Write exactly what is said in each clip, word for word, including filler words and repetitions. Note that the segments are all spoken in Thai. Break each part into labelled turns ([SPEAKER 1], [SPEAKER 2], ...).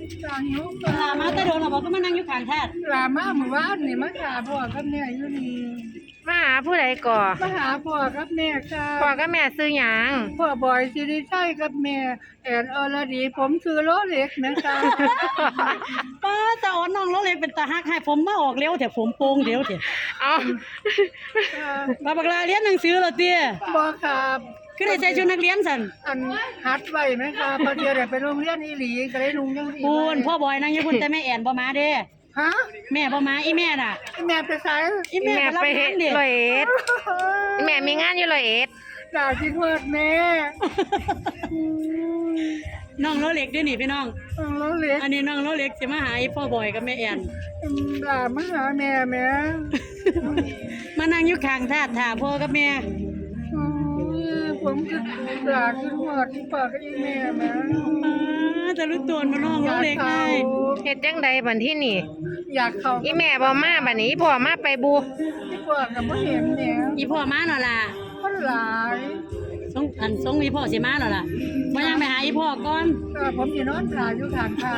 [SPEAKER 1] จางหิว
[SPEAKER 2] ลามาแต่โดนเราบอกก็มานั่งอยู่ข้างแท้
[SPEAKER 1] ลามาหมู่บ้านนี่มาหาพ่อกับแม่อยู่นี่
[SPEAKER 3] มาหาผู้ใดก่อ
[SPEAKER 1] มาหาพ่อกับแม่ค่ะ
[SPEAKER 3] พ่อกับแม่ซื้อหยัง
[SPEAKER 1] พ่อบอยสิริชัยกับแม่แอนอรดีผมซื้อโลเล็กนะคะ
[SPEAKER 2] ป้าตาอ่อนน้องเราเลยเป็นตาฮักให้ผมมาออกเร็วแต่ผมโป่งเร็วเถอะ
[SPEAKER 3] เอา
[SPEAKER 2] บาบักลาเรียนหนังสือเหรอเตี้ย
[SPEAKER 1] บ่ครับ
[SPEAKER 2] คือได้ใส่ชุดนักเรียนสัน
[SPEAKER 1] อันฮัดไว้ไหมครับพอเดียวได้ไปโรงเรียนอีหลีก็เลยนุ่งจังซี่
[SPEAKER 2] ปูนพ่อบอยนั่งอยู่พุ่นแต่แม่แอนบ่มาเด้
[SPEAKER 1] ฮะ
[SPEAKER 2] แม่บ่มาอีแม่น่ะ
[SPEAKER 1] แม่ไปไส
[SPEAKER 2] อีแม่
[SPEAKER 3] แม่
[SPEAKER 2] ไปรับ
[SPEAKER 3] ไป
[SPEAKER 2] งานเด้
[SPEAKER 3] ร้อยเอ็ดแม่มีงานอยู่ร้อยเอ็ด
[SPEAKER 1] ด่าคิดว่าแม่
[SPEAKER 2] น้องเราเล็กด้วยนี่พี่น้อง
[SPEAKER 1] โลเล็ก
[SPEAKER 2] อันนี้น้องเราเล็กสิมาหาอีพ่อบอยกับแม่แอน
[SPEAKER 1] ด่ามาหาแม่แม่
[SPEAKER 2] มานั่งอยู่ข้างทาดถาพ่อกับแม่
[SPEAKER 1] อืมผมจะด่าคิดว่าที่ปากกับอีแม่แม่
[SPEAKER 2] ป้าจะรู้ตัวมาน้องเราเล็กไง
[SPEAKER 3] เฮ็ดจังใดบัดที่นี่
[SPEAKER 1] อยากเข้า
[SPEAKER 3] อีแม่บ่มาบัดนี้อีพ่อมาไปบู
[SPEAKER 1] ที่ปากกับบ่เห็นแม่
[SPEAKER 2] อีพ่อมาหน่อล่ะ
[SPEAKER 1] คนหลาย
[SPEAKER 2] สงอันสงอีพ่อสิมาหน่อล่ะมายังไปหาอีพ่อก่อน
[SPEAKER 1] เออผมสินอนขาอยู่ข้างทาง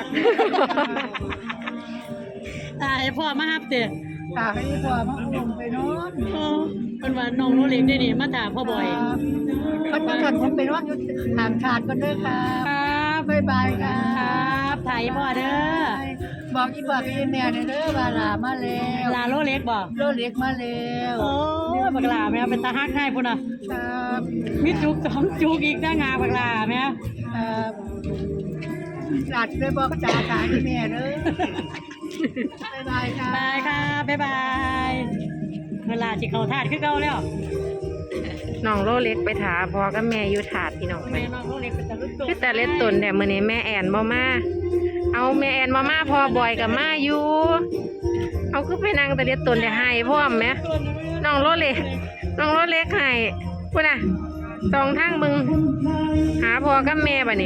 [SPEAKER 2] ตายพ่อมาฮับเด้อ
[SPEAKER 1] ตาให้พ่อมาอุ้มไปนอน
[SPEAKER 2] โอ้เพิ่นว่าน้องเราเล็กได้นี่มาถามพ่อบอย
[SPEAKER 1] มันมากันผมไปนอนอยู่ข้างทางก็เด้อค่ะ
[SPEAKER 2] ครับ
[SPEAKER 1] บ๊ายบายค่ะ
[SPEAKER 2] ครับถ่ายอีพ่อเด้อ
[SPEAKER 1] บอกอีบอกอีแม่เด้อว่าลามาแล้ว
[SPEAKER 2] ลาโลเล็กบ่
[SPEAKER 1] โลเล็กมาแล้ว
[SPEAKER 2] โอ้ยบักหลาแม่เป็นตาฮักให้พุ่นน่ะ
[SPEAKER 1] ครับ
[SPEAKER 2] มีจุกสองจุกอีกหน้างาบักหลาแม่
[SPEAKER 1] ครับหลัดไปบอกจ่าขายให้แม่เด้อบ๊ายบายค่ะ
[SPEAKER 2] บายค่ะบ๊ายบายเวลาสิเข้าทาดคือเก่าแล้ว
[SPEAKER 3] น้องโลเล็กไปถาพ่อกับแม่อยู่ถาดพี่น้องไป
[SPEAKER 2] แม่น้องโลเล็กเป็นตาลุกตัว
[SPEAKER 3] คือแต่เล็ดตนแต่มื้อนี้แม่แอนบ่มาเอาแม่แอนบ่มาพ่อบอยกับมาอยู่เอาคือไปนั่งแต่เล็ดตนแต่ให้พร้อมแหมน้องโลเล็กน้องโลเล็กให้พุ่นน่ะสองทางมึงหาพ่อกับแม่บัดนี้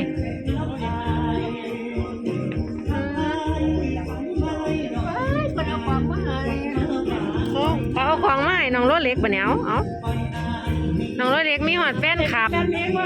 [SPEAKER 1] มันเอาของมาให้
[SPEAKER 3] เขาเอาของมาให้น้องโลเล็กบัดนี้เอาเอาน้องโลเล็กมีฮอดแฟนคลับ
[SPEAKER 2] การเลี้ยงว่า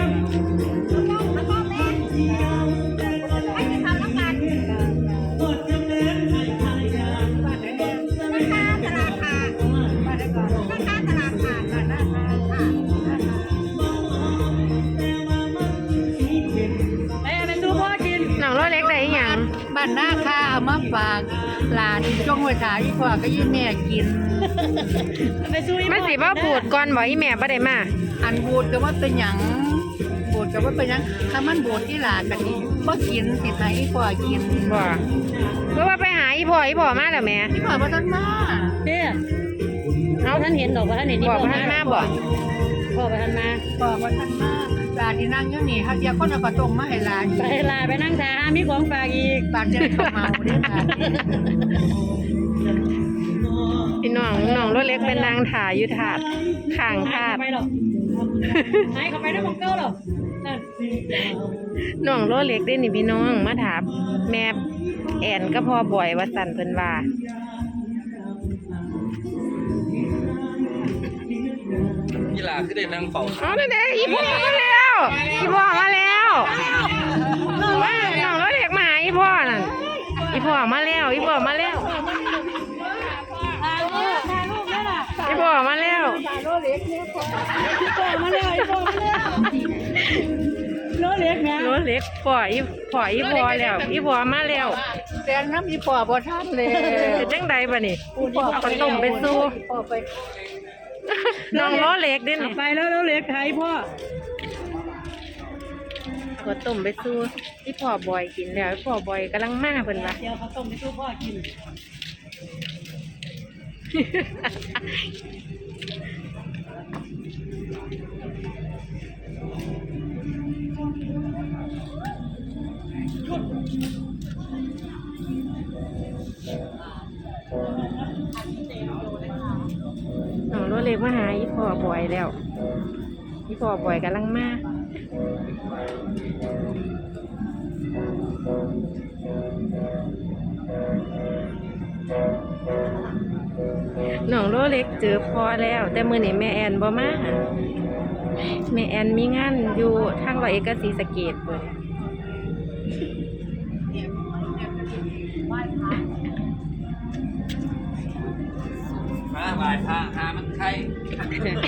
[SPEAKER 2] ไปเอาไปสู้พ่อกิน
[SPEAKER 3] น้องโลเล็กได้อีหยัง
[SPEAKER 1] บ้านหน้าค่าเอามาฝากหลานจงไว้ถ่ายอีพ่อก็ยี่แม่กิน
[SPEAKER 2] ไปสู้อี
[SPEAKER 3] มันสิบ่บูดก่อนบ่อีแม่บ่ได้มา
[SPEAKER 1] อันบูดก็ว่าเป็นหยังบูดก็ว่าเป็นหยังถ้ามันบูดที่หลานกันนี่บ่กินสิให้อีพ่อกิน
[SPEAKER 3] บ่เพราะว่าไปหาอีพ่ออีพ่อมาแล้วแม่
[SPEAKER 1] อีพ่อบ่ทันมา
[SPEAKER 2] เด้อเอาท่านเห็นดอกว่าท่านเห็นนี่
[SPEAKER 3] บอกว่าท่านมาบ่
[SPEAKER 2] พ่อไปท่านมา
[SPEAKER 1] พ่อบ่ทันมาหลานที่นั่งอยู่นี่ฮักเดียวคนเอาปลาต้มมาให้หลาน
[SPEAKER 2] ไปลาไปนั่งทามีของฝากอีก
[SPEAKER 1] บาดจะได้เข้าเมาเด้อค่ะ
[SPEAKER 3] พี่น้องน้องรถเล็กเป็นนางถ่ายอยู่ถาดข้างถาด
[SPEAKER 2] หายเข้าไปหรอกหายเข้าไปได้บอกเก้าหรอกนั่น
[SPEAKER 3] น้องรถเล็กได้นี่พี่น้องมาถามแม่แอนก็พอบ่อยว่าสั่นเพิ่นว่า
[SPEAKER 4] กีฬาคือได้นั่งเฝ้า
[SPEAKER 3] เอาเด้ๆอีพ่อมาแล้วอีพ่อมาแล้วว่าน้องรถเล็กมาหาอีพ่อนั่นอีพ่อมาแล้วอีพ่อมาแล้ว
[SPEAKER 2] ถ่ายรูปถ่ายรูปนี่ล่ะ
[SPEAKER 3] อีพ่อมาแล้ว
[SPEAKER 2] โลเล็กเนี่ยพ่อมาแล้วพ่อมาแล้วโลเล็กนะ
[SPEAKER 3] รถเล็กพ่ออีพ่ออีพ่อแล้วอีพ่อมาแล้ว
[SPEAKER 1] แตงน้ำอีพ่อบ่ทันเลย
[SPEAKER 3] เป็นจังใดบัดนี้เอาขนมไปสู้
[SPEAKER 1] พ่อไป
[SPEAKER 3] น้องรถเล็กเด้
[SPEAKER 2] เอา
[SPEAKER 3] นี่
[SPEAKER 2] ไปแล้วโลเล็กหายพ่อ
[SPEAKER 3] ขอต้มไปสู้ที่พ่อบอยกินแล้วพ่อบอยกำลังมาเพิ่นว่า
[SPEAKER 2] เดี๋ยวเขาต้มไปสู้พ่อกิน
[SPEAKER 3] น้องรถเล็กมาหาอีพ่อบอยแล้วอีพ่อบอยกำลังมาน้องรถเล็กเจอพ่อแล้ว แต่มื้อนี้แม่แอนบ่มาแม่แอนมีงานอยู่ทางร้อยเอ็ดกับศรีสะเกษเพิ่น
[SPEAKER 4] มาบ่ายพาหามันใคร